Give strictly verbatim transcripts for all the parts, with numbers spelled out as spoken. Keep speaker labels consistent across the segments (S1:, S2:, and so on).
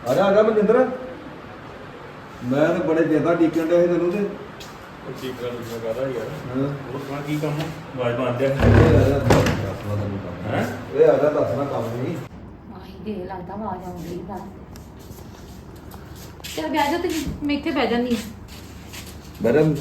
S1: ਆ ਜਾ ਆ ਜਾ ਮਨਿੰਦਰ ਮੈਂ ਤੇ ਬੜੇ ਜ਼ਿਆਦਾ ਟੀਕਣ ਡਿਆ ਸੀ ਤੈਨੂੰ ਤੇ
S2: ਠੀਕ ਕਰ ਲਿਆ ਕਹਦਾ ਯਾਰ
S1: ਹਾਂ
S2: ਹੋਰ ਕਹਾਂ ਕੀ ਕੰਮ ਆਵਾਜ਼ ਮਾਰ ਦਿਆ
S1: ਇਹ ਆ ਜਾ ਦੱਸਣਾ ਤੈਨੂੰ ਕੰਮ
S2: ਹੈ
S1: ਇਹ ਆ ਜਾ ਦੱਸਣਾ ਕੰਮ ਨਹੀਂ
S3: ਆਹੀ ਦੇ ਲੱਗਦਾ ਆਵਾਜ਼ ਆਉਂਦੀ ਦਾ ਚਲ ਬਹਿ ਜਾ ਤੇ ਮੈਂ ਇੱਥੇ ਬਹਿ ਜਾਂਦੀ
S1: ਮੈਡਮ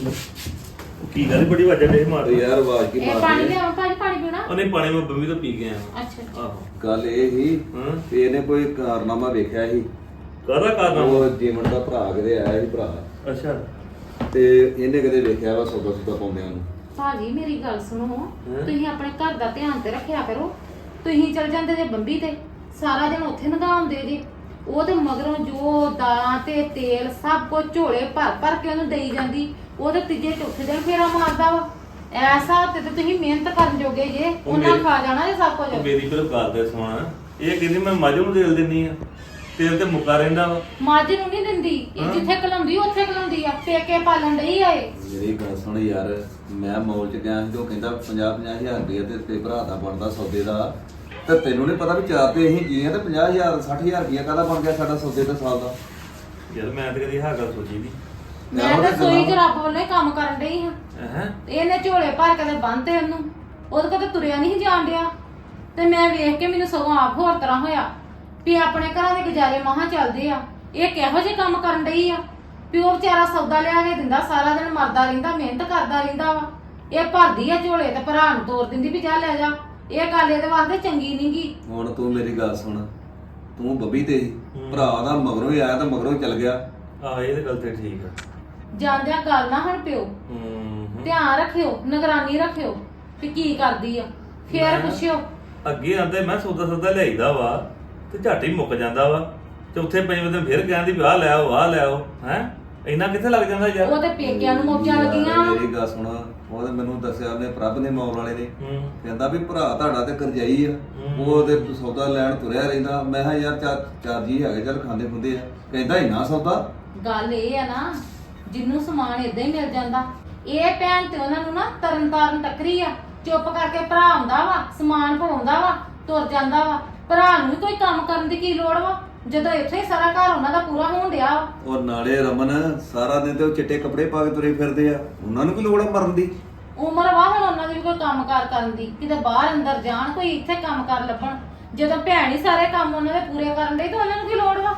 S2: ਕੀ ਗੱਲ ਬੜੀ ਵਜ੍ਹਾ ਦੇ ਮਾਰ
S1: ਯਾਰ ਆਵਾਜ਼ ਕੀ
S3: ਇਹ
S1: ਮਾਰਦੀ
S3: ਪਾਣੀ
S1: ਹੈ?
S3: ਲਿਆਵਾਂ ਭਾਜੀ ਪਾਣੀ ਪੀਣਾ
S2: ਉਹਨੇ ਪਾਣੀ ਮੈਂ ਬੰਬੀ ਤੋਂ ਪੀ ਕੇ ਆਇਆ
S3: ਅੱਛਾ
S2: ਆਹੋ
S1: ਗੱਲ ਇਹ ਹੀ
S2: ਹਾਂ
S1: ਵੀ ਇਹਨੇ ਕੋਈ ਕਾਰਨਾਮਾ ਵੇਖਿਆ ਸੀ
S2: ਕਾਹਦਾ ਕਾਰਨ
S1: ਉਹ ਜੀਵਨ ਦਾ ਭਰਾ ਕਿਤੇ ਆਇਆ ਸੀ ਭਰਾ
S2: ਅੱਛਾ
S1: ਤੇ ਇਹਨੇ ਕਦੇ ਵੇਖਿਆ ਵਾ ਸੌਦਾ ਸੁਦਾ ਪਾਉਂਦਿਆਂ ਨੂੰ
S3: ਭਾਜੀ ਮੇਰੀ ਗੱਲ ਸੁਣੋ ਤੁਸੀਂ ਆਪਣੇ ਘਰ ਦਾ ਧਿਆਨ ਤੇ ਰੱਖਿਆ ਕਰੋ ਤੁਸੀਂ ਚਲ ਜਾਂਦੇ ਜੇ ਬੰਬੀ ਤੇ ਸਾਰਾ ਦਿਨ ਉੱਥੇ ਨਗਾਉਂਦੇ ਜੇ ਉਹ ਤੇ ਮਗਰੋਂ ਜੋ ਦਾਲਾਂ ਤੇ ਤੇਲ ਸਭ ਕੁਝ ਝੋਲੇ ਭਰ ਭਰ ਕੇ ਉਹਨੂੰ ਦੇਈ ਜਾਂਦੀ ਉਹ ਤੇ ਤੀਜੇ ਚੌਥੇ ਦਿਨ ਫੇਰਾ ਮਾਰਦਾ ਵਾ ਐਸਾ ਤੇ ਤੁਸੀਂ ਮਿਹਨਤ ਕਰਨ ਜੋਗੇ ਜੇ ਉਹਨਾਂ
S2: ਮੇਰੀ-
S3: ਖਾ ਜਾਣਾ ਇਹ ਸਭ ਕੁਝ
S2: ਉਹ ਮੇਰੀ ਫਿਰ ਗੱਲ ਤੇ ਸੁਣ ਇਹ ਕਹਿੰਦੀ ਮੈਂ ਮੱਝ ਨੂੰ ਦੇਲ ਦਿੰਨੀ ਆ ਤੇਲ ਤੇ ਮੁੱਕਾ ਰਹਿੰਦਾ ਵਾ
S3: ਮੱਝ ਨੂੰ ਨਹੀਂ ਦਿੰਦੀ ਇਹ
S2: ਹਾਂ।
S3: ਜਿੱਥੇ ਕਲਾਉਂਦੀ ਉੱਥੇ ਕਲਾਉਂਦੀ ਆ ਪੇਕੇ ਪਾਲਣ ਡਈ ਆ ਇਹ
S1: ਮੇਰੀ ਗੱਲ ਸੁਣ ਯਾਰ ਮੈਂ ਮੌਲ ਚ ਗਿਆ ਸੀ ਤੇ ਉਹ ਕਹਿੰਦਾ ਪੰਜਾਹ ਪੰਜਾਹ ਹਜ਼ਾਰ ਰੁਪਏ ਤੇ ਤੇ ਭਰਾ ਦਾ ਬਣਦਾ ਸੌਦੇ ਦਾ ਤੇ ਤੈਨੂੰ ਨਹੀਂ ਪਤਾ ਵੀ ਚਾਰ ਤੇ ਅਸੀਂ ਜੀ ਆ ਤੇ ਪੰਜਾਹ ਹਜ਼ਾਰ ਸੱਠ ਹਜ਼ਾਰ ਰੁਪਏ ਕਾਹਦਾ ਬਣ ਗਿਆ ਸਾਡਾ ਸੌਦੇ ਦਾ ਸਾਲ ਦਾ
S2: ਯਾਰ ਮੈਂ ਤੇ ਕਦੀ ਹਾਂ ਗੱਲ ਸੋਚੀ ਨਹੀਂ
S3: ਮੈਂ ਤਾਂ ਸੋਈ ਚ ਰੱਬ ਵੱਲੋਂ ਹੀ ਕੰਮ ਕਰਨ ਡਈ ਹਾਂ
S2: ਹੈ
S3: ਇਹਨੇ ਝੋਲੇ ਭਰ ਕੇ ਤੇ ਬੰਨਤੇ ਉਹਨੂੰ ਉਹਦੇ ਕੋਲ ਤਾਂ ਤੁਰਿਆ ਨਹੀਂ ਜਾਣ ਡਿਆ ਤੇ ਮੈਂ ਵੇਖ ਕੇ ਮੈਨੂੰ ਸਗੋਂ ਆਪ ਹੋਰ ਤਰ੍ਹਾਂ ਹੋਇਆ ਵੀ ਆਪਣੇ ਘਰਾਂ ਦੇ ਗੁਜ਼ਾਰੇ ਮਹਾ ਚੱਲਦੇ ਆ ਇਹ ਕਿਹੋ ਜਿਹੇ ਕੰਮ ਕਰਨ ਡਈ ਆ ਵੀ ਉਹ ਵਿਚਾਰਾ ਸੌਦਾ ਲਿਆ ਕੇ ਦਿੰਦਾ ਸਾਰਾ ਦਿਨ ਮਰਦਾ ਰਹਿੰਦਾ ਮਿਹਨਤ ਕਰਦਾ ਰਹਿੰਦਾ ਵਾ ਇਹ ਭਰਦੀ ਆ ਝੋਲੇ ਤੇ ਭਰਾ ਨੂੰ ਤੋਰ ਦਿੰਦੀ ਵੀ ਜਾ ਲੈ ਜਾ ਇਹ ਗੱਲ ਇਹਦੇ ਵਾਸਤੇ ਚੰਗੀ ਨਹੀਂਗੀ
S1: ਹੁਣ ਤੂੰ ਮੇਰੀ ਗੱਲ ਸੁਣ ਤੂੰ ਬੱਬੀ ਤੇ ਸੀ,
S2: ਹੂੰ।
S1: ਭਰਾ ਦਾ ਮਗਰੋਂ ਹੀ ਆਇਆ ਤੇ ਮਗਰੋਂ ਹੀ ਚਲ ਗਿਆ
S2: ਆਹ ਇਹ ਤੇ ਗੱਲ ਤੇ ਠੀਕ ਆ
S3: ਜਾਂਦਿਆਂ ਗੱਲ ਨਾ ਹਣ ਪਿਓ
S2: ਹੂੰ ਹੂੰ।
S3: ਧਿਆਨ ਰੱਖਿਓ ਨਿਗਰਾਨੀ ਰੱਖਿਓ ਵੀ ਕੀ ਕਰਦੀ ਆ ਫੇਰ
S2: ਮੈਂ-
S3: ਪੁੱਛਿਓ
S2: ਅੱਗੇ ਆਂਦੇ ਮੈਂ ਸੌਦਾ ਸੌਦਾ ਲਿਆਈਦਾ ਵਾ ਤੇ ਝੱਟ ਹੀ ਮੁੱਕ ਜਾਂਦਾ ਵਾ ਚੌਥੇ ਪੰਜਵੇਂ ਦਿਨ ਫਿਰ ਕਹਿੰਦੀ ਵੀ ਆਹ ਲੈ ਆਓ ਆਹ ਲੈ ਆਓ ਹੈ ਇੰਨਾ ਕਿੱਥੇ ਲੱਗ ਜਾਂਦਾ ਯਾਰ
S3: ਉਹਦੇ ਪੇਕਿਆਂ ਨੂੰ ਮੌਜਾਂ ਲੱਗੀਆਂ ਵਾ।
S1: ਮੇਰੀ ਗੱਲ ਸੁਣ ਉਹਨੇ ਮੈਨੂੰ ਦੱਸਿਆ ਉਹਨੇ ਪ੍ਰਭ ਨੇ ਮੌਲ ਵਾਲੇ ਨੇ
S2: ਹੂੰ
S1: ਕਹਿੰਦਾ ਵੀ ਭਰਾ ਤੁਹਾਡਾ ਤੇ ਕਰਜਾਈ ਆ
S2: ਹੂੰ।
S1: ਉਹ ਤੇ ਸੌਦਾ ਲੈਣ ਤੁਰਿਆ ਰਹਿੰਦਾ ਮੈਂ ਕਿਹਾ ਯਾਰ ਚਾਰ ਚਾਰ ਜੀ ਹੈਗੇ ਚੱਲ ਖਾਂਦੇ ਖੁੰਦੇ ਆ ਕਹਿੰਦਾ ਹੀ ਨਾ ਸੌਦਾ
S3: ਗੱਲ ਇਹ ਆ ਨਾ ਜਿੰਨੂੰ ਸਮਾਨ ਇਦਾਂ ਹੀ ਮਿਲ ਜਾਂਦਾ ਇਹ ਭੈਣ ਤੇ ਉਹਨਾਂ ਨੂੰ ਨਾ ਤਰਨ ਤਾਰਨ ਟੱਕਰੀ ਆ ਚੁੱਪ ਕਰਕੇ ਭਰਾ ਆਉਂਦਾ ਵਾ ਸਮਾਨ ਪਾਉਂਦਾ ਵਾ ਤੁਰ ਜਾਂਦਾ ਵਾ ਭਰਾ ਨੂੰ ਵੀ ਕੋਈ ਕੰਮ ਕਰਨ ਦੀ ਕੀ ਲੋੜ ਵਾ ਜਦੋਂ ਇੱਥੇ ਹੀ ਸਾਰਾ ਘਰ ਉਹਨਾਂ ਦਾ ਪੂਰਾ ਹੋਣ ਡਿਆ ਵਾ
S1: ਔਰ ਨਾਲੇ ਰਮਨ ਸਾਰਾ ਦਿਨ ਤੇ ਉਹ ਚਿੱਟੇ ਕੱਪੜੇ ਪਾ ਕੇ ਤੁਰੇ ਫਿਰਦੇ ਆ ਉਹਨਾਂ ਨੂੰ ਵੀ ਲੋੜ ਆ ਮਰਨ ਦੀ
S3: ਉਮਰ ਵਾ ਹੁਣ ਉਹਨਾਂ ਦੀ ਵੀ ਕੋਈ ਕੰਮਕਾਰ ਕਰਨ ਦੀ ਕਿਤੇ ਬਾਹਰ ਅੰਦਰ ਜਾਣ ਕੋਈ ਇੱਥੇ ਕੰਮਕਾਰ ਲੱਭਣ ਜਦੋਂ ਭੈਣ ਹੀ ਸਾਰੇ ਕੰਮ ਉਹਨਾਂ ਦੇ ਪੂਰੇ ਕਰਨ ਡਈ ਤਾਂ ਉਹਨਾਂ ਨੂੰ ਕੀ ਲੋੜ ਵਾ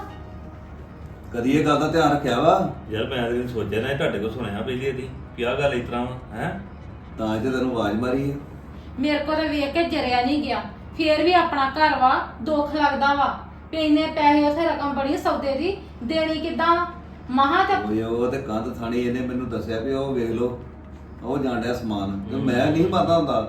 S1: ਕਦੀ ਇਹ ਗੱਲ ਦਾ ਧਿਆਨ ਰੱਖਿਆ ਵਾ
S2: ਯਾਰ ਮੈਂ ਤੇ ਸੋਚਿਆ ਨਾ ਇਹ ਤੁਹਾਡੇ ਕੋਲ ਸੁਣਿਆ ਪਹਿਲੀ ਇਹਦੀ ਕਿ ਆਹ ਗੱਲ ਇਸ ਤਰ੍ਹਾਂ ਵਾ ਹੈ
S1: ਤਾਂ ਜੇ ਤੈਨੂੰ ਆਵਾਜ਼ ਮਾਰੀ ਆ
S3: ਮੇਰੇ ਕੋਲ ਤਾਂ ਵੇਖ ਕੇ ਜਰਿਆ ਨਹੀਂ ਗਿਆ ਫੇਰ ਵੀ ਆਪਣਾ ਘਰ ਵਾ ਦੁੱਖ ਲੱਗਦਾ ਵਾ ਵੀ ਇੰਨੇ ਪੈਸੇ ਉਥੇ ਰਕਮ ਬੜੀ ਸੌਦੇ ਦੀ ਦੇਣੀ ਕਿੱਦਾਂ ਮਹਾ ਤੇ
S1: ਓਏ ਉਹ ਤੇ ਕੰਧ ਥਾਣੀ ਇਹਨੇ ਮੈਨੂੰ ਦੱਸਿਆ ਵੀ ਉਹ ਵੇਖ ਲਓ ਉਹ ਜਾਣ ਡਿਆ ਸਮਾਨ ਤੇ ਮੈਂ ਨਹੀਂ ਪਤਾ ਹੁੰਦਾ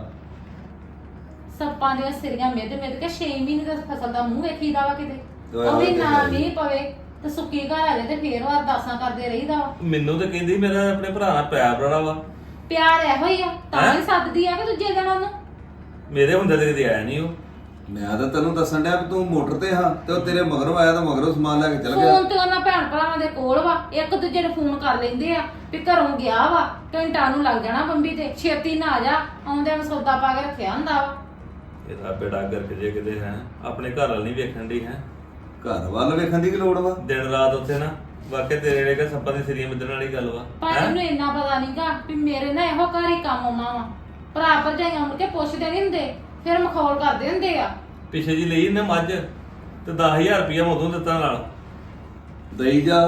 S3: ਸੱਪਾਂ ਦੀਆਂ ਸਿਰੀਆਂ ਮਿੱਧ ਮਿੱਧ ਕੇ ਛੇ ਮਹੀਨੇ ਦਾ ਫਸਲ ਦਾ ਮੂੰਹ ਵੇਖੀਦਾ ਵਾ ਕਿਤੇ
S1: ਓਏ
S3: ਉਹ ਵੀ
S1: ਹੋਏ
S3: ਨਾ
S1: ਤੇ
S3: ਮੀਂਹ ਪਵੇ ਤੇ ਸੁੱਕੀ ਘਰ ਆ ਜਾਏ ਤੇ ਫੇਰ ਉਹ ਅਰਦਾਸਾਂ ਕਰਦੇ ਰਹੀਦਾ ਵਾ
S2: ਮੈਨੂੰ ਤਾਂ ਕਹਿੰਦੀ ਮੇਰਾ ਆਪਣੇ ਭਰਾ ਨਾਲ ਪਿਆਰ ਬੜਾ ਵਾ
S3: ਪਿਆਰ ਇਹੋ ਹੀ ਆ ਤਾਂ
S2: ਹੈਂ?
S3: ਹੀ ਸੱਦਦੀ ਆ ਕਿ ਦੂਜੇ ਦਿਨ ਉਹਨੂੰ
S2: ਮੇਰੇ ਹੁੰਦੇ ਤੇ ਕਦੇ ਆਇਆ ਨਹੀਂ ਉਹ
S1: ਮੈਂ ਤਾਂ ਤੈਨੂੰ ਦੱਸਣ ਡਿਆ ਵੀ ਤੂੰ ਮੋਟਰ ਤੇ ਹਾਂ ਤੇ ਉਹ ਤੇਰੇ ਮਗਰੋਂ ਆਇਆ ਤਾਂ ਮਗਰੋਂ ਸਮਾਨ ਲੈ ਕੇ ਚਲ ਗਿਆ
S3: ਫੋਨ ਤੇ ਉਹਨਾਂ ਭੈਣ ਭਰਾਵਾਂ ਦੇ ਕੋਲ ਵਾ ਇੱਕ ਦੂਜੇ ਨੂੰ ਫੋਨ ਕਰ ਲੈਂਦੇ ਆ ਵੀ ਘਰੋਂ ਗਿਆ ਵਾ ਘੰਟਾ ਨੂੰ ਲੱਗ ਜਾਣਾ ਬੰਬੀ ਤੇ ਛੇਤੀ ਨਾ ਆ ਜਾ ਆਉਂਦਿਆਂ ਨੂੰ ਸੌਦਾ ਪਾ ਕੇ ਰੱਖਿਆ ਹੁੰਦਾ ਵਾ
S2: ਇਹਦਾ ਬੇੜਾ ਗਰਕ ਜੇ ਕਿਤੇ ਹੈ ਆਪਣੇ ਘਰ ਵਾਲ ਨਹੀਂ ਵੇਖਣ ਦੀ ਹੈ
S1: ਘਰ ਵੱਲ ਵੇਖਣ ਦੀ ਕੀ ਲੋੜ ਵਾ
S2: ਦਿਨ ਰਾਤ ਉੱਥੇ ਨਾ ਵਾਕਿਆ ਤੇਰੇ ਜਿਹੜੇ ਕਿ ਸੱਪਾਂ ਦੀ ਸਿਰੀਆਂ ਮਿੱਧਣ ਵਾਲੀ ਗੱਲ ਵਾ
S3: ਪਰ
S2: ਹੈਂ?
S3: ਇਹਨੂੰ ਇੰਨਾ ਪਤਾ ਨਹੀਂਗਾ ਵੀ ਮੇਰੇ ਨਾਲ ਇਹੋ ਘਰ ਹੀ ਕੰਮ ਆਉਣਾ ਵਾ ਭਰਾ ਭਰਜਾਈਆਂ ਮੁੜ ਕੇ ਪੁੱਛਦੇ ਨਹੀਂ ਹੁੰਦੇ ਫਿਰ ਮਖੌਲ ਕਰਦੇ ਹੁੰਦੇ ਆ
S2: ਪਿੱਛੇ ਜੀ ਲਈ ਇਹਨੇ ਮੱਝ ਤੇ ਦਸ ਹਜ਼ਾਰ ਰੁਪਇਆ ਮੈਂ ਉਦੋਂ ਦਿੱਤਾ ਨਾਲ
S1: ਦਈ ਜਾ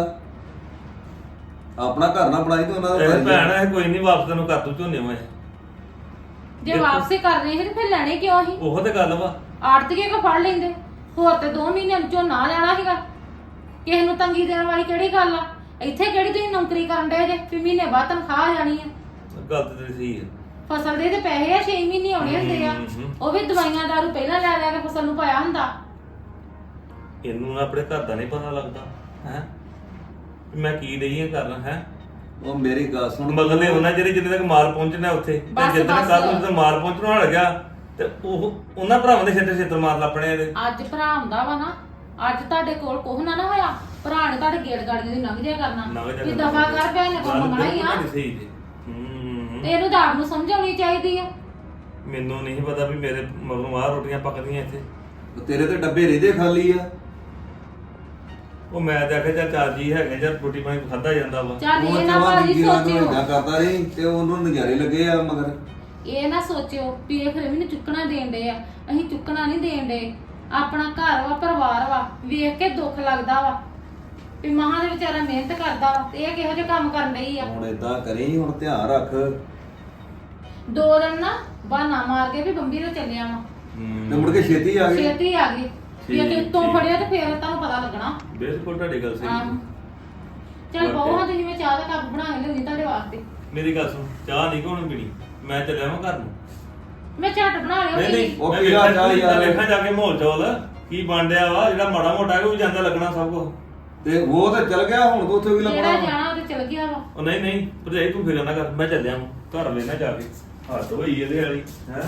S1: ਆਪਣਾ ਘਰ ਨਾ ਬਣਾਈ ਤੇ ਉਹਨਾਂ ਦਾ
S2: ਇਹ
S1: ਘਰ ਹੀ ਆ।
S2: ਭੈਣ ਹੈ ਕੋਈ ਨਹੀਂ ਵਾਪਸ ਤੈਨੂੰ ਕਰ ਤੂੰ ਝੋਨੇ ਮੈਂ
S3: ਜੇ
S2: ਦੇਖੋ।
S3: ਵਾਪਸੀ ਕਰਨੀ ਸੀ ਤੇ ਫਿਰ ਲੈਣੇ ਕਿਉਂ ਸੀ
S2: ਉਹ ਤੇ ਗੱਲ ਵਾ
S3: ਆੜਤੀਏ ਕੋ ਫੜ ਲੈਂਦੇ ਹੋਰ ਤੇ ਦੋ ਮਹੀਨਿਆਂ ਨੂੰ ਝੋਨਾ ਲੈਣਾ ਸੀਗਾ ਕਿਸੇ ਨੂੰ ਤੰਗੀ ਦੇਣ ਵਾਲੀ ਕਿਹੜੀ ਗੱਲ ਆ ਇੱਥੇ ਕਿਹੜੀ ਤੁਸੀਂ ਨੌਕਰੀ ਕਰਨ ਦੇ ਜੇ ਵੀ ਮਹੀਨੇ ਬਾਅਦ ਤਨਖਾਹ ਆ ਜਾਣੀ ਆ
S2: ਗੱਲ ਤੇ ਤੇਰੀ ਸਹੀ ਹੈ
S3: ਫਸਲ ਦੇ ਤੇ ਪੈਸੇ ਆ ਛੇ ਮਹੀਨੇ ਆਉਣੇ ਹੁੰਦੇ ਆ
S2: ਹਮ, ਹਮ।
S3: ਉਹ ਵੀ ਦਵਾਈਆਂ ਦਾਰੂ ਪਹਿਲਾਂ ਲੈ ਲੈ ਕੇ ਫਸਲ ਨੂੰ ਪਾਇਆ ਹੁੰਦਾ
S2: ਇਹਨੂੰ ਨਾ ਆਪਣੇ ਘਰ ਦਾ ਨਹੀਂ ਪਤਾ ਲੱਗਦਾ ਹੈ ਮੈਂ ਕੀ ਰਹੀ ਹਾਂ ਕਰਨਾ ਹੈ
S1: ਉਹ ਮੇਰੀ ਗੱਲ ਸੁਣ
S2: ਮਗਰ ਨੇ ਉਹਨਾਂ ਜਿਹੜੇ ਜਿੰਨੇ ਤੱਕ ਮਾਲ ਪਹੁੰਚਣਾ ਉੱਥੇ ਤੇ
S3: ਬਸ,
S2: ਜਿੱਦਣ
S3: ਬਸ।
S2: ਕੱਲ ਨੂੰ ਮਾਲ ਪਹੁੰਚਣਾ ਹਟ ਗਿਆ ਤੇ ਉਹ ਉਹਨਾਂ ਭਰਾਵਾਂ ਦੇ ਛੇਤਰ ਛੇਤਰ ਮਾਰ ਲੱਪਣੇ ਇਹਦੇ
S3: ਅੱਜ ਭਰਾ ਹੁੰਦਾ ਵਾ ਨਾ ਅੱਜ ਤੁਹਾਡੇ ਕੋਲ ਕੁਝ ਨਾ ਨਾ ਹੋਇਆ ਭਰਾ ਨੇ ਤੁਹਾਡੇ ਗੇੜ ਗਾੜੀਆਂ ਦੀ ਲੰਘ ਜਿਆ ਕਰਨਾ
S2: ਨਵੇਂ
S3: ਵੀ ਦਫਾ ਕਰ ਭੈਣ ਨੇ ਕੋਲ ਮੰਗਣਾ ਹੀ ਆ
S2: ਸਹੀ ਜੀ ਹੂੰ
S3: ਤੇ ਇਹਨੂੰ ਤਾਂ ਆਪ ਨੂੰ ਸਮਝ ਆਉਣੀ ਚਾਹੀਦੀ ਆ
S2: ਮੈਨੂੰ ਨਹੀਂ ਪਤਾ ਵੀ ਮੇਰੇ ਮਗਰੋਂ ਆਹ ਰੋਟੀਆਂ ਪੱਕਦੀਆਂ ਇੱਥੇ
S1: ਤੇਰੇ ਤੇ ਡੱਬੇ ਰਹਿੰਦੇ ਖਾਲੀ ਆ
S2: ਉਹ ਮੈਂ ਤੇ ਆਖਿਆ ਚੱਲ ਚਾਰ ਜੀ ਹੈਗੇ ਜਾਂ ਰੋਟੀ ਪਾਣੀ ਖਾਧਾ ਜਾਂਦਾ ਵਾ
S3: ਚੱਲ
S1: ਉਹ
S3: ਇਹ ਨਾ
S1: ਚਵਾ
S3: ਭਾਜੀ
S1: ਵੀਰਾਂ ਨੂੰ
S3: ਸੋਚਿਓ
S1: ਏਦਾਂ ਕਰਦਾ ਨਹੀਂ ਤੇ ਉਹਨੂੰ ਨਜ਼ਾਰੇ ਲੱਗੇ ਆ ਮਗਰ।
S3: ਇਹ ਨਾ ਸੋਚਿਓ ਵੀ ਇਹ ਫਿਰ ਮੈਨੂੰ ਚੁੱਕਣਾ ਦੇਣ ਦੇ ਆ। ਅਸੀਂ ਚੁੱਕਣਾ ਨਹੀਂ ਦੇਣ ਦੇ। ਆਪਣਾ ਘਰ ਵਾ, ਪਰਿਵਾਰ ਵਾ, ਵੇਖ ਕੇ ਦੁੱਖ ਲੱਗਦਾ ਵਾ ਵੀ ਮਹਾਂ ਦੇ ਵਿਚਾਰਾ ਮਿਹਨਤ ਕਰਦਾ ਵਾ ਤੇ ਇਹ ਕਿਹੋ ਜਿਹੇ ਕੰਮ ਕਰਨ ਡਈ ਆ।
S1: ਹੁਣ ਏਦਾਂ ਕਰੀ, ਹੁਣ ਧਿਆਨ ਰੱਖ
S3: ਦੋ ਦਿਨ ਨਾ ਬਹਾਨਾ ਮਾਰ ਕੇ ਵੀ ਬੰਬੀ ਤੋਂ ਚੱਲਿਆ ਵਾ,
S1: ਤੇ ਮੁੜ ਕੇ ਛੇਤੀ ਆ ਗਏ।
S3: ਛੇਤੀ ਆ ਗਈ ਵੀ
S2: ਠੀਕ,
S3: ਜੇ ਤੋਂ
S2: ਠੀਕ।
S3: ਫੜਿਆ ਤੇ ਫੇਰ ਤੁਹਾਨੂੰ ਪਤਾ ਲੱਗਣਾ।
S2: ਬਿਲਕੁਲ ਤੁਹਾਡੀ ਗੱਲ ਸਹੀ
S3: ਆਹੋ।
S2: ਹੈ।
S3: ਚੱਲ ਬਹੁਤ ਤੁਸੀਂ ਮੈਂ ਚਾਹ ਦਾ ਕੱਪ ਬਣਾ ਕੇ ਲਿਆਉਂਦੀ ਤੁਹਾਡੇ ਵਾਸਤੇ।
S2: ਮੇਰੀ ਗੱਲ ਸੁਣ, ਚਾਹ ਨਹੀਂ ਕੋਣ ਪੀਣੀ, ਮੈਂ ਚੱਲਿਆ ਵਾਂ ਘਰ ਨੂੰ।
S3: ਮੈਂ ਝਟ ਬਣਾ ਲਿਆ
S2: ਨਹੀਂ ਨਹੀਂ
S1: ਉਹ
S2: ਮੈਂ
S1: ਪੀਲਾ
S2: ਵੇਖਾਂ
S1: ਚਾਹ ਯਾਰ।
S2: ਵੇਖਾਂ ਜਾ ਕੇ ਮਾਹੌਲ ਚੌਲ ਕੀ ਬਣ ਡਿਆ ਵਾ, ਜਿਹੜਾ ਮਾੜਾ ਮੋਟਾ ਹੈ ਉਹ ਵੀ ਜਾਂਦਾ ਲੱਗਣਾ ਸਭ ਕੁਝ।
S1: ਤੇ ਉਹ ਤਾਂ ਚਲ ਗਿਆ, ਹੁਣ ਤੋਂ ਉੱਥੇ ਵੀ
S3: ਜਿਹੜਾ
S1: ਲੱਭਣਾ।
S3: ਜਾਣਾ ਉਹ ਤੇ ਚਲ ਗਿਆ ਵਾ।
S2: ਉਹ ਨਹੀਂ ਨਹੀਂ ਭਰਜਾਈ ਤੂੰ ਫਿਕਰ ਨਾ ਕਰ, ਮੈਂ ਚੱਲਿਆ ਵਾਂ ਘਰ ਵੇਨਾ ਜਾ ਕੇ। ਹੱਥ ਹੋਈ ਇਹਦੇ ਵਾਲੀ ਹੈ।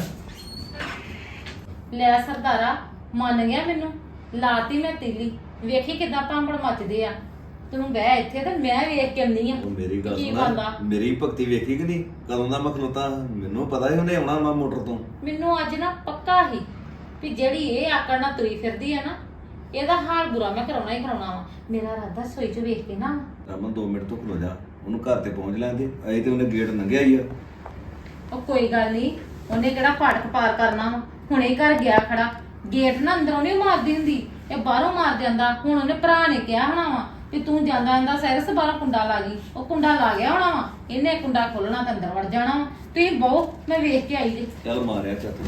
S3: ਲੈ ਸਰਦਾਰਾ ਮੰਨ ਗਿਆ ਮੈਨੂੰ, ਲਾਤੀ ਮੈਂ ਤੀਲੀ। ਵੇਖੀ ਕਿਦਾਂ ਭਾਂਬੜ ਮੱਚਦੇ ਆ। ਤੂੰ ਬਹਿ ਇੱਥੇ ਤੇ ਮੈਂ ਵੇਖ ਕੇ ਆਉਂਦੀ ਆ
S1: ਉਹ ਮੇਰੀ ਗੱਲ
S3: ਕੀ
S1: ਸੁਣ,
S3: ਬਣਦਾ।
S1: ਮੇਰੀ ਭਗਤੀ ਵੇਖੀ ਕਿ ਨਹੀਂ ਕਦੋਂ ਦਾ ਮੈਂ ਖਲੋਤਾ। ਮੈਨੂੰ ਪਤਾ ਸੀ ਉਹਨੇ ਆਉਣਾ ਵਾ ਮੋਟਰ ਤੋਂ।
S3: ਮੈਨੂੰ ਅੱਜ ਨਾ ਪੱਕਾ ਹੀ ਵੀ ਜਿਹੜੀ ਇਹ ਆਕੜ ਨਾਲ ਤੁਰੀ ਫਿਰਦੀ ਆ ਨਾ, ਇਹਦਾ ਹਾਲ ਬੁਰਾ ਮੈਂ ਕਰਾਉਣਾ ਹੀ ਕਰਾਉਣਾ ਵਾ। ਮੇਰਾ ਰਾਦਾ ਸੋਈ ਚ ਵੇਖ ਕੇ ਨਾ
S1: ਰਮਨ ਦੋ ਮਿੰਟ ਤੋਂ ਖਲੋ ਜਾ, ਉਹਨੂੰ ਘਰ ਤੇ ਪਹੁੰਚ ਲੈਂਦੇ। ਅਜੇ ਤੇ ਉਹਨੇ ਗੇਟ ਲੰਘਿਆ ਹੀ ਆ।
S3: ਉਹ ਕੋਈ ਗੱਲ ਨਹੀਂ, ਉਹਨੇ ਕਿਹੜਾ ਫਾਟਕ ਪਾਰ ਕਰਨਾ ਵਾ। ਹੁਣੇ ਹੀ ਘਰ ਗਿਆ ਖੜਾ, ਗੇਟ ਨਾ ਅੰਦਰੋਂ ਨਹੀਂ ਮਾਰਦੀ ਹੁੰਦੀ, ਇਹ ਬਾਹਰੋਂ ਮਾਰ ਜਾਂਦਾ। ਹੁਣ ਉਹਨੇ ਭਰਾ ਨੇ ਕਿਹਾ ਹੋਣਾ ਵਾ ਵੀ ਤੂੰ ਜਾਂਦਾ ਜਾਂਦਾ ਸੈਰਸ ਬਾਹਰੋਂ ਕੁੰਡਾ ਲਾ ਗਈ। ਉਹ ਕੁੰਡਾ ਲਾ ਗਿਆ ਹੋਣਾ ਵਾ, ਇਹਨੇ ਕੁੰਡਾ ਖੋਲਣਾ ਤੇ ਅੰਦਰ ਵੜ ਜਾਣਾ ਵਾ। ਤੁਸੀਂ ਬਹੁ ਮੈਂ ਵੇਖ ਕੇ ਆਈ ਜੀ।
S1: ਚੱਲ ਮਾਰਿਆ ਚੱਕ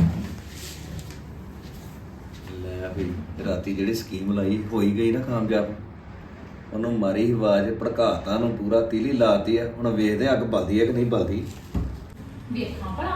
S1: ਲੈ ਵੀ ਰਾਤੀ ਜਿਹੜੀ ਸਕੀਮ ਲਾਈ ਹੋਈ ਗਈ ਨਾ ਕਾਮਯਾਬ। ਉਹਨੂੰ ਮਾਰੀ ਸੀ ਆਵਾਜ਼, ਭੜਕਾਤਾ ਨੂੰ ਪੂਰਾ ਤੀਲੀ ਲਾਤੀ ਆ। ਹੁਣ ਵੇਖਦੇ ਆ ਅੱਗ ਬਲਦੀ ਆ ਕਿ ਨਹੀਂ ਬਲਦੀ।
S3: ਵੇਖਾਂ ਭਲਾ।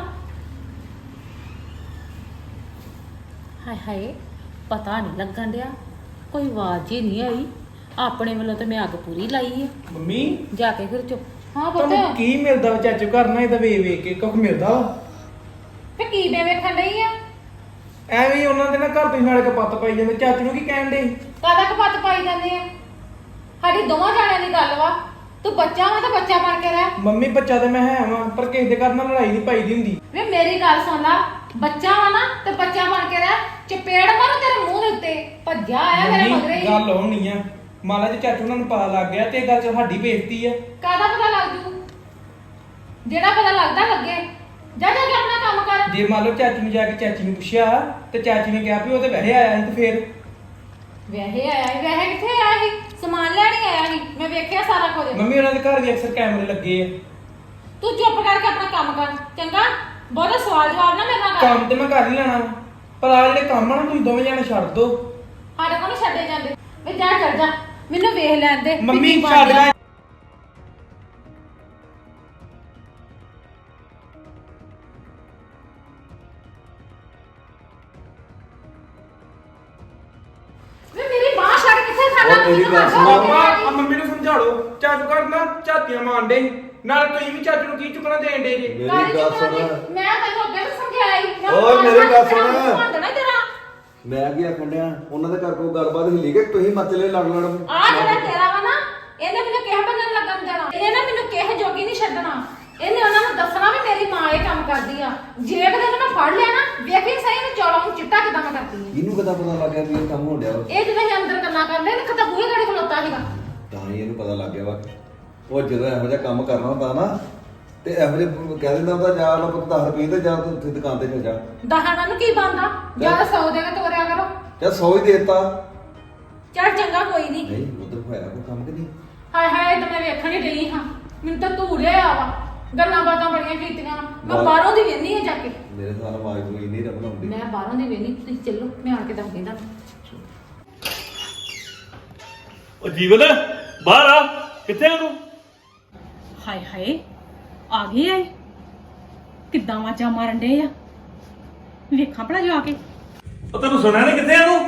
S3: ਹਾਏ ਹਾਏ ਪਤਾ ਨਹੀਂ ਲੱਗਣ ਡਿਆ, ਕੋਈ ਆਵਾਜ਼ ਹੀ ਨਹੀਂ ਆਈ। ਆਪਣੇ ਵੱਲੋਂ ਤੇ ਮੈਂ ਅੱਗ ਪੂਰੀ ਲਾਈ ਆ।
S4: ਮੰਮੀ
S3: ਜਾ ਕੇ ਫਿਰ ਚੁੱਪ। ਹਾਂ
S4: ਤੁਹਾਨੂੰ
S3: ਪੁੱਤ
S4: ਕੀ ਮਿਲਦਾ ਵਾ ਚਾਚੂ ਘਰ ਨਾ ਇਹਦਾ ਵੇਖ ਵੇਖ ਕੇ ਕੁਝ ਮਿਲਦਾ ਵਾ?
S3: ਤੇ ਕੀ ਮੈਂ ਵੇਖਣ ਡਈ ਆ?
S4: ਐਵੇਂ ਹੀ ਉਹਨਾਂ ਦੇ ਨਾ ਘਰ ਤੁਸੀਂ ਨਾਲੇ ਕਪੱਤ ਪਾਈ ਜਾਂਦੇ। ਚਾਚੂ ਨੂੰ ਕੀ ਕਹਿਣ ਦੇ?
S3: ਕਾਹਦਾ ਕਪੱਤ ਪਾਈ ਜਾਂਦੇ ਆ? ਸਾਡੀ ਦੋਵਾਂ ਜਾਣਿਆਂ ਦੀ ਗੱਲ ਵਾ। ਤੂੰ ਬੱਚਾ ਵਾ ਤਾਂ ਬੱਚਾ ਬਣ ਕੇ ਰਹਿ।
S4: ਮੰਮੀ ਬੱਚਾ ਤੇ ਮੈਂ ਹੈ ਵਾਂ, ਪਰ ਕਿਸੇ ਦੇ ਘਰ ਨਾਲ ਲੜਾਈ ਨਹੀਂ ਪਾਈ ਦੀ ਹੁੰਦੀ।
S3: ਵੇ ਮੇਰੀ ਗੱਲ ਸੁਣ ਲਾ, ਬੱਚਾ ਵਾ ਨਾ ਤੇ ਬੱਚਾ ਬਣ ਕੇ ਰਹਿ। ਚਪੇੜ ਮਾਰੂ ਤੇਰੇ ਮੂੰਹ ਦੇ ਉੱਤੇ। ਭੱਜਿਆ ਆਇਆ ਮੇਰੇ
S4: ਮੰਮੀ,
S3: ਮਗਰੇ ਹੀ।
S4: ਗੱਲ ਹੋਣੀ ਆ ਮਾਲਾ ਜੀ ਚਾਚੂ ਉਹਨਾਂ ਨੂੰ ਪਤਾ ਲੱਗ ਗਿਆ ਤੇ ਇਹ ਗੱਲ ਚ ਸਾਡੀ ਬੇਇੱਜ਼ਤੀ ਆ।
S3: ਕਾਹਦਾ ਪਤਾ ਲੱਗ ਜੂ? ਜਿਹੜਾ ਪਤਾ ਲੱਗਦਾ ਲੱਗੇ। ਜਾ ਜਾ ਕੇ ਆਪਣਾ ਕੰਮ ਕਰ।
S4: ਜੇ ਮੰਨ ਲਓ ਚਾਚੂ ਨੂੰ ਜਾ ਕੇ ਚਾਚੀ ਨੂੰ ਪੁੱਛਿਆ ਤੇ ਚਾਚੀ ਨੇ ਕਿਹਾ ਵੀ ਉਹ ਤੇ ਵਹਿ ਆਇਆ ਸੀ, ਤੇ ਫੇਰ
S3: ਵੈਸੇ ਆਇਆ ਸੀ। ਵੈਸੇ ਕਿੱਥੇ ਆਇਆ ਸੀ? ਸਮਾਨ ਲੈਣ ਹੀ ਆਇਆ ਸੀ। ਮੈਂ ਵੇਖਿਆ ਸਾਰਾ ਕੁਝ।
S4: ਮੰਮੀ ਉਹਨਾਂ ਦੇ ਘਰ ਵੀ ਅਕਸਰ ਕੈਮਰੇ ਲੱਗੇ ਆ।
S3: ਤੂੰ ਚੁੱਪ ਕਰਕੇ ਆਪਣਾ ਕੰਮ ਕਰ ਚੰਗਾ। ਬਹੁਤਾ ਸਵਾਲ ਜਵਾਬ ਨਾ ਮੇਰੇ ਨਾਲ ਕਰ।
S4: ਕੰਮ ਤੇ ਮੈਂ ਕਰ ਹੀ ਲੈਣਾ ਵਾ, ਪਰ ਆ ਜਿਹੜੇ ਕੰਮ ਆ ਨਾ ਤੁਸੀਂ ਦੋਵੇਂ ਜਾਣੇ ਛੱਡ ਦੋ।
S3: ਸਾਡੇ ਕੋਲ ਨੀ ਛੱਡੇ ਜਾਂਦੇ। ਵੇ ਜਾ ਚੱਲ ਜਾ, ਮੈਨੂੰ ਵੇਖ ਲੈਣ ਦੇ ਵੀ
S4: ਮੰਮੀ
S3: ਕੀ ਬਣ
S4: ਛੱਡ
S3: ਗਿਆ।
S4: ਲੈ।
S3: ਵੇ ਮੇਰੀ ਬਾਹ ਛੱਡ ਕਿੱਥੇ ਖਾਣਾ?
S1: ਉਹ ਮੇਰੀ
S3: ਮੈਨੂੰ
S1: ਗੱਲ
S3: ਹੱਥ
S1: ਸੁਣੋ।
S3: ਹੋ ਗਿਆ
S4: ਮਾਮਾ ਆ ਮੰਮੀ ਨੂੰ ਸਮਝਾ ਲਓ। ਚਾਚੂ ਘਰ ਨਾ ਝਾਤੀਆਂ ਮਾਰਦੇ ਸੀ। ਨਾਲ ਤੁਸੀਂ ਵੀ ਚਾਚੂ ਨੂੰ ਕੀ ਚੁੱਕਣਾ ਦੇਣ ਦੇ ਜੇ?
S1: ਮੇਰੀ
S3: ਕਾਹਦੀ
S1: ਗੱਲ
S3: ਚੁੱਕਣਾ
S1: ਸੁਣ।
S3: ਦੀ? ਮੈਂ ਤੈਨੂੰ ਅੱਗੇ ਵੀ ਸਮਝਾਇਆ ਸੀ। ਮੈਂ
S1: ਓਏ
S3: ਮਾਰ
S1: ਮੇਰੀ
S3: ਮਾਰ
S1: ਗੱਲ
S3: ਕੇ ਤੇਰਾ
S1: ਸੁਣ।
S3: ਮੂੰਹ ਭੰਨ ਦੇਣਾ ਤੇਰਾ।
S1: ਮੈਂ ਕੀ ਆਖਣ ਡਿਆ, ਉਹਨਾਂ ਦੇ ਘਰ ਕੋਈ ਗੱਲਬਾਤ ਹਿੱਲੀ ਕਿ ਤੁਸੀਂ ਮਚਲੇ ਲੜ ਲੜ।
S3: ਆ ਜਿਹੜਾ ਤੇਰਾ ਵਾ ਨਾ, ਇਹਨੇ ਮੈਨੂੰ ਕਿਹ ਬੰਨਣ ਲੱਗਣ ਦੇਣਾ। ਇਹਨੇ ਨਾ ਮੈਨੂੰ ਕਿਹ ਜੋਗੀ ਨਹੀਂ ਛੱਡਣਾ। ਇਹਨੇ ਉਹਨਾਂ ਨੂੰ ਦੱਸਣਾ ਵੀ ਮੇਰੀ ਮਾਂ ਇਹ ਕੰਮ ਕਰਦੀ ਆ। ਜੇ ਕਦੇ ਮੈਂ ਫੜ ਲਿਆ ਨਾ, ਵੇਖੀ ਸਹੀ ਨੂੰ ਚੌਲਾਂ ਨੂੰ ਚਿੱਟਾ ਕਿਦਾਂ ਮੈਂ ਕਰਦੀ ਆ।
S1: ਇਹਨੂੰ ਕਿੱਦਾਂ ਪਤਾ ਲੱਗ ਗਿਆ ਵੀ ਇਹ ਕੰਮ ਹੋਣ ਡਿਆ ਵਾ?
S3: ਇਹ ਜਦੋਂ ਅਸੀਂ ਅੰਦਰ ਗੱਲਾਂ ਕਰਦੇ ਨੇ ਖਤਾ ਬੂਹੇ ਘੜੇ ਖਲੋਤਾ ਸੀਗਾ।
S1: ਤਾਂ ਹੀ ਇਹਨੂੰ ਪਤਾ ਲੱਗ ਗਿਆ ਵਾ। ਉਹ ਜਦੋਂ ਇਹੋ ਜਿਹਾ ਕੰਮ ਕਰਨਾ ਹੁੰਦਾ ਨਾ ਤੇ ਇਹੋ ਜਿਹਾ ਕਹਿ ਦਿੰਦਾ ਹੁੰਦਾ ਜਾ ਮੈਂ ਪੁੱਤ ਦਸ ਰੁਪਏ ਤੇ ਜਾ ਤੂੰ ਉੱਥੇ ਦੁਕਾਨ ਤੇ ਚੱਲ ਜਾ।
S3: ਦਹਾਣਾ ਨੂੰ ਕੀ ਬੰਦਾ? ਜਾਂ ਸੌ ਦੇ ਕੇ ਤੋਰਿਆ ਕਰੋ।
S1: ਜਾਂ ਸੌ ਹੀ ਦੇ ਦਿੱਤਾ।
S3: ਚੱਲ ਚੰਗਾ ਕੋਈ ਨਹੀਂ।
S1: ਨਹੀਂ ਉਧਰ ਹੋਇਆ ਕੋਈ ਕੰਮ ਕਿ ਨਹੀਂ?
S3: ਹਾਏ ਹਾਏ ਤਾਂ ਮੈਂ ਵੇਖਣ ਹੀ ਡਈ ਹਾਂ। ਮੈਨੂੰ ਤਾਂ ਧੂੜਿਆ ਆ ਵਾ। ਗੱਲਾਂ ਬਾਤਾਂ ਬੜੀਆਂ ਕੀਤੀਆਂ। ਮੈਂ
S1: ਵਾਹ।
S3: ਬਾਹਰੋਂ ਦੀ ਵੇਹਨੀ ਆ ਜਾ ਕੇ।
S1: ਮੇਰੇ ਨਾਲ ਆਵਾਜ਼ ਕੋਈ ਨਹੀਂ ਰਬਣ ਆਉਂਦੀ।
S3: ਮੈਂ ਬਾਹਰੋਂ ਦੀ ਵੇਹਨੀ। ਤੁਸੀਂ ਚੱਲੋ, ਮੈਂ ਆਣ ਕੇ ਦੱਸ ਦਿੰਦਾ।
S2: ਉਹ ਜੀਵਨ ਬਾਹਰ ਆ, ਕਿੱਥੇ ਆ ਤੂੰ?
S5: ਹਾਏ ਹਾਏ ਆ ਗਏ ਐ। ਕਿੱਦਾਂ ਵਾਜਾਂ ਮਾਰਨ ਡੇ ਆ? ਵੇਖਾਂ ਭਲਾ ਜਾ ਕੇ।
S2: ਉਹ ਤੈਨੂੰ ਸੁਣਿਆ ਨੀ ਕਿੱਥੇ ਆ ਤੂੰ?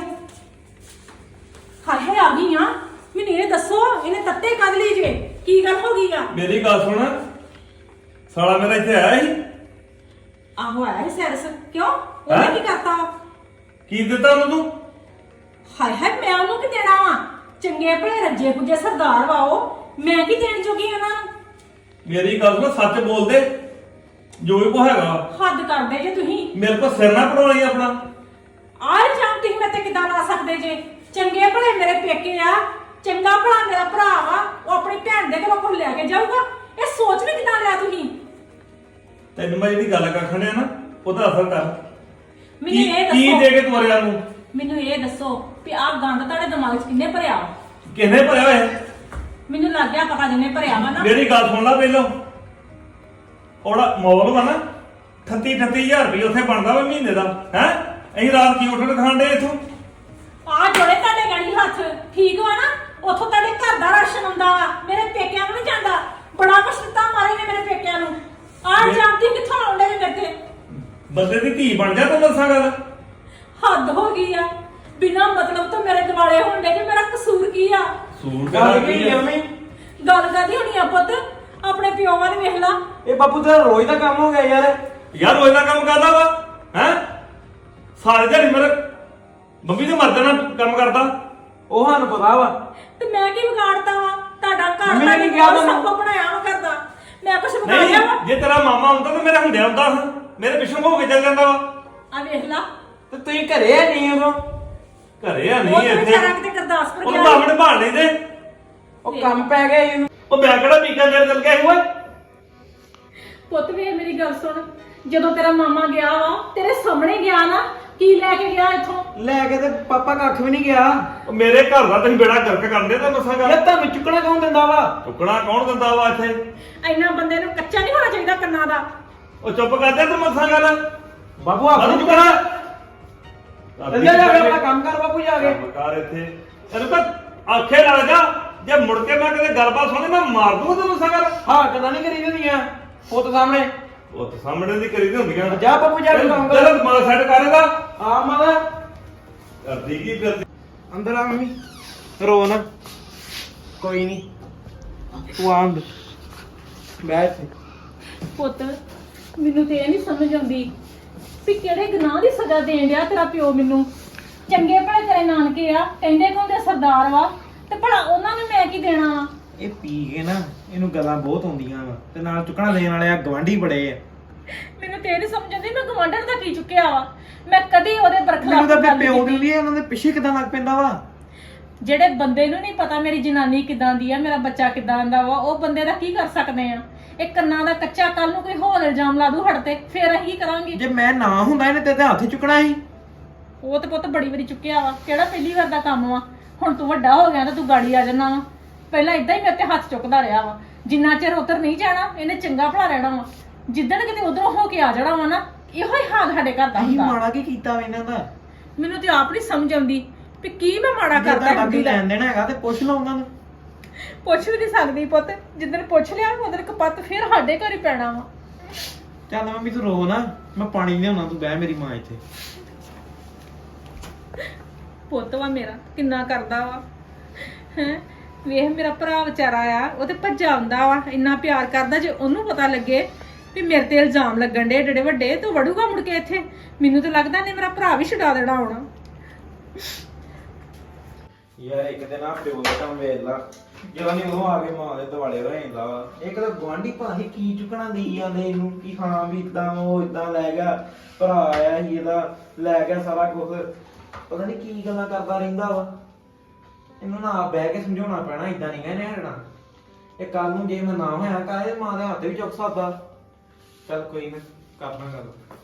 S5: ਹਾਏ ਹਾਏ ਆ ਗਈ ਆ। ਮੈਨੂੰ ਇਹ ਦੱਸੋ ਇਹਨੇ ਤੱਤੇ ਕੱਢ ਲਈ ਜੇ? ਕੀ ਗੱਲ ਹੋ ਗਈ ਆ?
S2: ਮੇਰੀ ਗੱਲ ਸੁਣ, ਸਾਲਾ ਮੇਰਾ ਇੱਥੇ ਆਇਆ ਸੀ।
S5: ਆਹੋ ਆਇਆ ਸੀ ਸੈਰਸ। ਕਿਉਂ
S2: ਹੈਂ?
S5: ਉਹਨੇ ਕੀ ਕਰਤਾ ਵਾ?
S2: ਕੀ ਦਿੱਤਾ ਉਹਨੂੰ ਤੂੰ?
S5: ਹਾਏ ਹਾਏ ਮੈਂ ਉਹਨੂੰ ਕੀ ਦੇਣਾ ਵਾ? ਚੰਗੇ ਭਲੇ ਰੱਜੇ ਪੁੱਜੇ ਸਰਦਾਰ ਵਾ ਉਹ। ਮੈਂ ਕੀ ਦੇਣ ਜੋਗੀ ਉਹਨਾਂ ਨੂੰ?
S2: ਮੇਰੀ ਗੱਲ ਸੁਣ, ਸੱਚ ਬੋਲ ਦੇ ਜੋ ਵੀ ਕੋ ਹੈਗਾ।
S5: ਹੱਦ ਕਰਦੇ ਜੇ ਤੁਸੀਂ।
S2: ਮੇਰੇ ਕੋਲ ਸਿਰ ਨਾ ਪੜਾਉਣੀ ਆਪਣਾ।
S5: ਆਹ ਇਲਜ਼ਾਮ ਤੁਸੀਂ ਮੇਰੇ ਤੇ ਕਿੱਦਾਂ ਲਾ ਸਕਦੇ ਜੇ? ਚੰਗੇ ਭਲੇ ਮੇਰੇ ਪੇਕੇ ਆ, ਚੰਗਾ ਭਲਾ ਮੇਰਾ ਭਰਾ ਵਾ, ਉਹ ਆਪਣੀ ਭੈਣ ਦੇ ਕੋਲੋਂ ਕੁਝ ਲੈ ਕੇ ਜਾਊਗਾ। ਇਹ ਸੋਚ ਵੀ ਕਿਦਾਂ ਲਿਆ ਤੁਸੀਂ?
S2: ਤੈਨੂੰ ਮੈਂ ਜਿਹੜੀ ਗੱਲ ਕਰਨ ਡਿਆ ਨਾ ਉਹਦਾ ਅਸਰ ਕਰ।
S5: ਮੈਨੂੰ
S2: ਕੀ
S5: ਇਹ
S2: ਕੀ
S5: ਦੱਸੋ
S2: ਦੇ ਕੇ ਤੋਰਿਆ ਨੂੰ?
S5: ਮੈਨੂੰ ਇਹ ਦੱਸੋ ਵੀ ਆਹ ਗੰਦ ਤੁਹਾਡੇ ਦਿਮਾਗ 'ਚ ਕਿੰਨੇ ਭਰਿਆ ਵਾ?
S2: ਕਿਹਨੇ ਭਰਿਆ ਹੋਇਆ?
S5: ਮੈਨੂੰ ਲੱਗ ਗਿਆ ਪਤਾ ਜਿੰਨੇ ਭਰਿਆ ਵਾ ਨਾ।
S2: ਮੇਰੀ ਗੱਲ ਸੁਣ ਲੈ ਪਹਿਲੋਂ। ਉਹਦਾ ਮੌਲ ਵਾ ਨਾ ਅਠੱਤੀ ਅਠੱਤੀ ਹਜ਼ਾਰ ਰੁਪਏ ਉੱਥੇ ਬਣਦਾ ਵਾ ਮਹੀਨੇ ਦਾ। ਹੈ ਅਸੀਂ ਰਾਤ ਕੀ ਉੱਠਣ ਖਾਣ ਦੇ ਇਥੋਂ?
S5: ਆ ਜੋੜੇ ਤੁਹਾਡੇ ਗਾੜੀ ਹੱਥ ਠੀਕ ਵਾ ਨਾ? ਉੱਥੋਂ ਤੁਹਾਡੇ ਘਰ ਦਾ ਰਾਸ਼ਨ ਆਉਂਦਾ ਵਾ, ਮੇਰੇ ਪੇਕਿਆਂ ਨੂੰ ਨਹੀਂ ਜਾਂਦਾ। ਬੜਾ ਕੁਛ ਦਿੱਤਾ ਮਾਰੇ ਨੇ ਮੇਰੇ ਪੇਕਿਆਂ ਨੂੰ। ਆਹ ਜਾਂਦੀ ਕਿੱਥੋਂ ਆਉਂਦੇ ਨੇ ਮੇਰੇ ਤੇ?
S2: ਬੰਦੇ ਦੀ ਧੀ ਬਣ ਜਾ ਤੂੰ ਦੱਸਾਂ ਗੱਲ।
S5: ਹੱਦ ਹੋ ਗਈ ਆ, ਬਿਨਾਂ ਮਤਲਬ ਤੋਂ ਮੇਰੇ ਦਿਵਾਲੇ ਹੋਣ ਦੇ ਕਿ ਮੇਰਾ ਕਸੂਰ ਕੀ ਆ?
S2: ਸੂਰ
S4: ਗੱਲ ਕੀ ਮੰਮੀ?
S5: ਗੱਲ ਕਾਦੀ ਹੋਣੀ ਆ ਪੁੱਤ? ਆਪਣੇ ਪਿਓ ਵੱਲ ਵੇਖ ਲਾ।
S4: ਇਹ ਬਾਪੂ ਤੇਰਾ ਰੋਜ਼ ਦਾ ਕੰਮ ਹੋ ਗਿਆ ਯਾਰ।
S2: ਯਾਰ ਰੋਜ਼ ਦਾ ਕੰਮ ਕਰਦਾ ਵਾ ਹੈ ਸਾਰੇ ਦਿਹਾੜੀ ਮੇਰੇ ਮੰਮੀ ਦੇ ਮਰਦ ਨਾਲ ਕੰਮ ਕਰਦਾ।
S4: ਉਹ ਸਾਨੂੰ ਪਤਾ ਵਾ।
S5: ਤੇ ਮੈਂ ਕੀ ਵਿਗਾੜਤਾ ਵਾ? ਤੁਹਾਡਾ ਘਰ
S4: ਮੰਮੀ ਨੇ
S5: ਤੁਹਾਡੇ
S4: ਕੀ ਕਿਹਾ
S5: ਕੋਲ
S4: ਤੁਹਾਨੂੰ?
S5: ਸਭ ਕੁਝ ਬਣਾਇਆ ਵਾ ਕਰਦਾ। ਮੈਂ ਕੁਛ ਵਿਗਾੜਿਆ ਵਾ?
S2: ਨਹੀਂ ਜੇ ਤੇਰਾ ਮਾਮਾ ਹੁੰਦਾ ਤਾਂ ਮੇਰਾ ਹੁੰਦਿਆ ਹੁੰਦਾ ਸੀ, ਮੇਰੇ ਪਿੱਛੋਂ ਹੋ ਕੇ ਚੱਲ ਜਾਂਦਾ ਵਾ।
S5: ਆ ਵੇਖ ਲਾ,
S4: ਤੇ ਤੁਸੀਂ ਘਰੇ ਆ ਨਹੀਂ ਉਦੋਂ?
S2: ਘਰੇ ਆ
S5: ਉਹ
S2: ਨਹੀਂ
S5: ਤੇ
S2: ਇੱਥੇ
S5: ਵਿਚਾਰਾ ਕਿਤੇ ਗੁਰਦਾਸਪੁਰ
S2: ਉਹਨੂੰ
S5: ਗਿਆ।
S2: ਮਾਮੇ ਨੇ ਭਾਲ ਨਹੀਂ ਦੇ।
S4: ਉਹ ਕੰਮ ਪੈ ਗਿਆ ਇਹਨੂੰ।
S2: ਉਹ ਮੈਂ ਕਿਹੜਾ ਪੀਕਾ ਜਰ ਚੱਲ ਗਿਆ ਸੀ ਓਏ।
S5: ਪੁੱਤ ਵੇ ਮੇਰੀ ਗੱਲ ਸੁਣ, ਜਦੋਂ ਤੇਰਾ ਮਾਮਾ ਗਿਆ ਵਾ ਤੇਰੇ ਸਾਹਮਣੇ ਗਿਆ ਨਾ, ਕੀ ਲੈ ਕੇ ਗਿਆ ਇੱਥੋਂ?
S4: ਲੈ ਕੇ ਤੇ ਪਾਪਾ ਕੱਖ ਵੀ ਨਹੀਂ ਗਿਆ।
S2: ਉਹ ਮੇਰੇ ਘਰ ਦਾ ਤੁਸੀਂ ਬੇੜਾ ਗਰਕ ਕਰਦੇ ਤਾਂ ਮਸਾਂ
S4: ਯਾਰ
S2: ਗੱਲ।
S4: ਤੁਹਾਨੂੰ ਚੁੱਕਣਾ ਕੌਣ ਦਿੰਦਾ ਵਾ?
S2: ਚੁੱਕਣਾ ਕੌਣ ਦਿੰਦਾ ਵਾ ਇੱਥੇ?
S5: ਇੰਨਾ ਬੰਦੇ ਨੂੰ ਕੱਚਾ ਨਹੀਂ ਹੋਣਾ ਚਾਹੀਦਾ ਕੰਨਾਂ ਦਾ।
S2: ਉਹ ਚੁੱਪ ਕਰਦੇ ਤੂੰ ਮਸਾਂ ਗੱਲ।
S4: ਬਾਪੂ ਆਪ ਨੂੰ
S2: ਚੁੱਕਣਾ
S4: ਚੱਲ ਜਾ ਜਾ ਕੇ ਆਪਣਾ ਕੰਮ ਕਰ ਬਾਪੂ ਜਾ ਕੇ।
S2: ਮਕਾਰ ਇੱਥੇ ਤੈਨੂੰ ਤਾਂ ਆਖੇ ਲੱਗ ਜਾ, ਜੇ ਮੁੜ ਕੇ ਮੈਂ ਕਿਤੇ ਗੱਲਬਾਤ ਸੁਣੀ ਮੈਂ ਮਾਰ ਦੂੰਗਾ ਤੈਨੂੰ ਮਸਾਂ ਗੱਲ।
S4: ਹਾਂ ਕਦਾਂ ਨਹੀਂ ਕਰੀ ਦਿੰਦੀਆਂ ਪੁੱਤ ਸਾਹਮਣੇ।
S2: ਉਹ ਤਾਂ ਸਾਹਮਣੇ ਦੀ ਕਰੀ ਦੀ ਹੁੰਦੀਆਂ।
S4: ਜਾ ਬਾਪੂ ਜਾ ਕੇ ਕੰਮ ਕਰ।
S2: ਚੱਲ ਦਿਮਾਗ ਸੈੱਟ ਕਰੇਗਾ।
S4: ਆ ਮਾਦਾ
S2: ਕਰਦੀ ਕੀ ਫਿਰਦੀ?
S4: ਅੰਦਰ ਆ ਮੰਮੀ। ਰੋ ਨਾ, ਕੋਈ ਨਹੀਂ ਤੂੰ ਆ ਅੰਦਰ ਬੈਠ।
S5: ਪੁੱਤ ਮੈਨੂੰ ਤੇ ਇਹ ਨਹੀਂ ਸਮਝ ਆਉਂਦੀ ਵੀ ਕਿਹੜੇ ਗੁਨਾਹ ਦੀ ਸਜ਼ਾ ਦੇਣ ਡਿਆ ਤੇਰਾ ਪਿਓ ਮੈਨੂੰ। ਚੰਗੇ ਭਲੇ ਤੇਰੇ ਨਾਨਕੇ ਆ, ਕਹਿੰਦੇ ਕੋਂਦੇ ਸਰਦਾਰ ਵਾ, ਤੇ ਭਲਾ ਉਹਨਾਂ ਨੂੰ ਮੈਂ ਕੀ ਦੇਣਾ ਵਾ?
S4: ਇਹ ਪੀ ਕੇ ਨਾ ਇਹਨੂੰ ਗੱਲਾਂ ਬਹੁਤ ਆਉਂਦੀਆਂ ਵਾ, ਤੇ ਨਾਲ ਚੁੱਕਣਾ ਦੇਣ ਵਾਲੇ ਆ ਗਵਾਂਢੀ ਬੜੇ ਆ।
S5: ਮੈਨੂੰ ਤੇ ਇਹ ਨਹੀਂ ਸਮਝ ਆਉਂਦੀ ਮੈਂ ਗਵਾਂਢਣ ਦਾ ਕੀ ਚੁੱਕਿਆ ਵਾ। ਮੈਂ ਕਦੀ ਉਹਦੇ ਬਰਖਲਾਫ
S4: ਮੈਨੂੰ ਤਾਂ
S5: ਗੱਲ
S4: ਪਿਓ
S5: ਨਹੀਂ
S4: ਦਿੰਦੀ
S5: ਕੀਤੀ।
S4: ਆ, ਉਹਨਾਂ ਦੇ ਪਿੱਛੇ ਕਿਦਾਂ ਲੱਗ ਪੈਂਦਾ ਵਾ।
S5: ਜਿਹੜੇ ਬੰਦੇ ਨੂੰ ਨਹੀਂ ਪਤਾ ਮੇਰੀ ਜਨਾਨੀ ਕਿਦਾਂ ਦੀ ਆ, ਮੇਰਾ ਬੱਚਾ ਕਿਦਾਂ ਦਾ ਵਾ, ਉਹ ਬੰਦੇ ਦਾ ਕੀ ਕਰ ਸਕਦੇ ਆ? ਇਹ ਕੰਨਾਂ ਦਾ ਕੱਚਾ, ਕੱਲ ਨੂੰ ਕੋਈ ਹੋਰ ਇਲਜ਼ਾਮ ਲਾ ਦੂ ਹੜ ਤੇ, ਫੇਰ ਅਸੀਂ ਕੀ ਕਰਾਂਗੇ?
S4: ਜੇ ਮੈਂ ਨਾ ਹੁੰਦਾ ਇਹਨੇ ਤੇ ਹੱਥ ਚੁੱਕਣਾ ਸੀ।
S5: ਉਹ ਤੇ ਪੁੱਤ ਬੜੀ ਵਾਰੀ ਚੁੱਕਿਆ ਵਾ, ਕਿਹੜਾ ਪਹਿਲੀ ਵਾਰ ਦਾ ਕੰਮ ਵਾ? ਹੁਣ ਤੂੰ ਵੱਡਾ ਹੋ ਗਿਆ ਤਾਂ ਤੂੰ ਗਾੜੀ ਆ ਜਾਣਾ ਵਾ। ਪਹਿਲਾਂ ਇਦਾਂ ਹੀ ਮੇਰੇ ਤੇ ਹੱਥ ਚੁੱਕਦਾ ਰਿਹਾ ਵਾ। ਜਿੰਨਾ ਚਿਰ ਉਧਰ ਨਹੀਂ ਜਾਣਾ ਇਹਨੇ ਚੰਗਾ ਭਲਾ ਰਹਿਣਾ ਵਾ। ਜਿੱਦਣ ਕਿਤੇ ਉਧਰੋਂ ਹੋ ਕੇ ਆ ਜਾਣਾ ਵਾ ਨਾ, ਇਹੋ ਹੀ ਹਾਲ ਸਾਡੇ ਘਰ ਦਾ
S4: ਅਸੀਂ
S5: ਹੁੰਦਾ।
S4: ਮਾੜਾ ਕੀ ਕੀਤਾ ਵਾ ਇਹਨਾਂ ਦਾ?
S5: ਮੈਨੂੰ ਤੇ ਆਪ ਨਹੀਂ ਸਮਝ ਆਉਂਦੀ ਵੀ ਕੀ ਮੈਂ ਮਾੜਾ
S4: ਜੇ
S5: ਕਰਦਾ
S4: ਤੁਹਾਡਾ
S5: ਹੁੰਦੀ
S4: ਕੀ
S5: ਦਾ।
S4: ਲੈਣ ਦੇਣਾ ਹੈਗਾ ਤੇ ਪੁੱਛ ਲਓ ਉਹਨਾਂ ਨੂੰ।
S5: ਪੁੱਛ ਵੀ ਨਹੀਂ ਸਕਦੀ ਪੁੱਤ, ਜਿੱਦਣ ਪੁੱਛ ਲਿਆ ਉਧਰ ਕਪੱਤ ਫੇਰ ਸਾਡੇ ਘਰ ਹੀ ਪੈਣਾ ਵਾ।
S4: ਚੱਲ ਮੰਮੀ ਤੂੰ ਰੋ ਨਾ, ਮੈਂ ਪਾਣੀ ਲਿਆਉਣਾ, ਤੂੰ ਬਹਿ ਮੇਰੀ ਮਾਂ ਇੱਥੇ।
S5: ਪੁੱਤ ਵਾ ਮੇਰਾ ਕਿੰਨਾ ਕਰਦਾ ਵਾ ਹੈ। ਵੇਖ ਮੇਰਾ ਭਰਾ ਵਿਚਾਰਾ ਆ, ਉਹ ਤੇ ਭੱਜਾ ਆਉਂਦਾ ਵਾ, ਇੰਨਾ ਪਿਆਰ ਕਰਦਾ। ਜੇ ਉਹਨੂੰ ਪਤਾ ਲੱਗੇ ਵੀ ਮੇਰੇ ਤੇ ਇਲਜ਼ਾਮ ਲੱਗਣ ਦੇ ਏਡੇ ਵੱਡੇ, ਤੂੰ ਵੜੂਗਾ ਮੁੜ ਕੇ ਇੱਥੇ। ਮੈਨੂੰ ਤਾਂ ਲੱਗਦਾ ਨਹੀਂ ਮੇਰਾ ਭਰਾ ਵੀ ਛਡਾ ਦੇਣਾ ਹੋਣਾ।
S4: ਯਾਰ ਇੱਕ ਦਿਨ ਆ ਪਿਓ ਦਾ ਕੰਮ ਵੇਖ ਲਾ, ਜਦੋਂ ਨਹੀਂ ਉਹ ਆ ਕੇ ਮਾਂ ਦੇ ਦਿਵਾਲੇ ਰਹਿੰਦਾ ਵਾ। ਇੱਕ ਤਾਂ ਗਵਾਂਢੀ ਭਾਹੀ ਕੀ ਚੁੱਕਣਾ ਦੇਈ ਜਾਂਦੇ ਇਹਨੂੰ ਕਿ ਹਾਂ ਵੀ ਇਦਾਂ ਉਹ ਇਦਾਂ ਲੈ ਗਿਆ, ਭਰਾ ਆਇਆ ਸੀ ਇਹਦਾ ਲੈ ਗਿਆ ਸਾਰਾ ਕੁਝ। ਪਤਾ ਨਹੀਂ ਕੀ ਗੱਲਾਂ ਕਰਦਾ ਰਹਿੰਦਾ ਵਾ। ਇਹਨੂੰ ਨਾ ਆਪ ਬਹਿ ਕੇ ਸਮਝਾਉਣਾ ਪੈਣਾ, ਇਦਾਂ ਨਹੀਂ ਇਹਨੇ ਹਟਣਾ। ਇਹ ਕੱਲ ਨੂੰ ਜੇ ਮੈਂ ਨਾ ਹੋਇਆ ਕਾਹਦੇ ਮਾਂ ਦੇ ਹੱਥ ਵੀ ਚੁੱਕ ਸਕਦਾ। ਚੱਲ ਕੋਈ ਨਾ, ਕਰਨਾ ਗੱਲ।